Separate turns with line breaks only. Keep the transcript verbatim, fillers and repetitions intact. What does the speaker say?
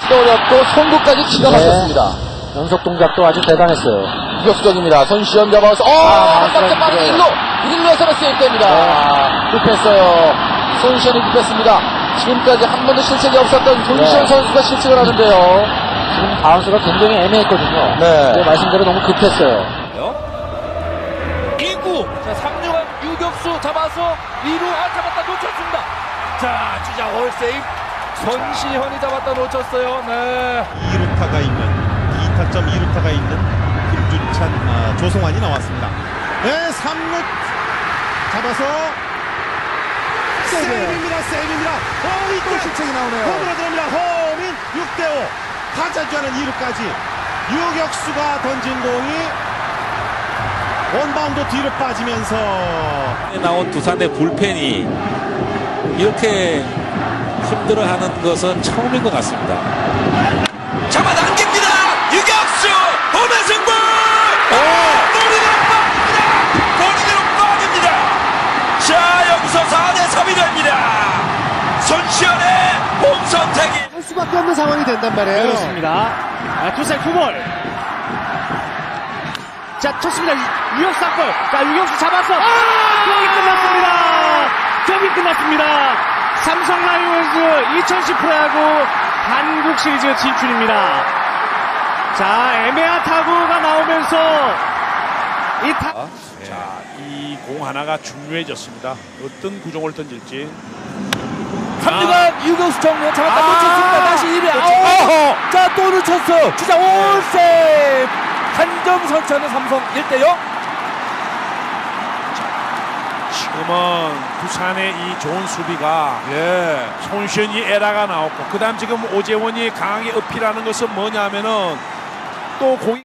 어렵고 송구까지 기가 막혔습니다.
네. 연속 동작도 아주 대단했어요.
유격수적입니다. 손시현 잡아서 어!
아,
한 박자 빠르게
네.
일루! 일루에서는 세이프됩니다. 아, 급했어요. 손시현이 급했습니다. 지금까지 한 번도 실책이 없었던 손시현
네.
선수가 실책을 하는데요.
지금 바운스가 굉장히 애매했거든요.
네.
네, 말씀대로 너무 급했어요.
이 구 자 삼 루간 유격수 잡아서 이 루 아 잡았다 놓쳤습니다. 자 주자 홀세이브 손시현이 잡았다 놓쳤어요. 네.
이 루타가 있는 이 타점 이 루타가 있는 김주찬 아, 조성환이 나왔습니다. 네, 삼 루 잡아서 세이브입니다. 세이브입니다. 홈이 또 실책이 나오네요. 홈으로 들어옵니다. 홈인 육 대 오. 타자주하는 이 루까지 유격수가 던진 공이 원바운드 뒤로 빠지면서
나온 두산의 불펜이 이렇게 힘들어하는 것은 처음인 것 같습니다. 잡아당깁니다. 유격수 홈의 승부. 머리로 빠집니다. 머리로 빠집니다. 자 여기서 사 대 삼이 됩니다. 손시현의 홈 선택이
할 수밖에 없는 상황이 된단 말이에요.
그렇습니다. 아, 투사 투볼. 자, 쳤습니다. 유격수 볼. 자, 유격수 잡았어. 아! 경기 끝났습니다. 경기 끝났습니다. 삼성 라이온즈 이천십 프로야구 한국 시리즈 진출입니다. 자, 애매한 타구가 나오면서 이 타...
자, 이 공 하나가 중요해졌습니다. 어떤 구종을 던질지.
삼루간 유격수 정면 잡았다
아!
놓쳤습니다. 다시 일 회 아웃. 자또 놓쳤어. 주자 홀세이브. 한 점 선차는 삼성 일 대 영.
지금은 부산의 이 좋은 수비가 예, 손시현이 에라가 나왔고 그다음 지금 오재원이 강하게 어필하는 것은 뭐냐면은 또 공이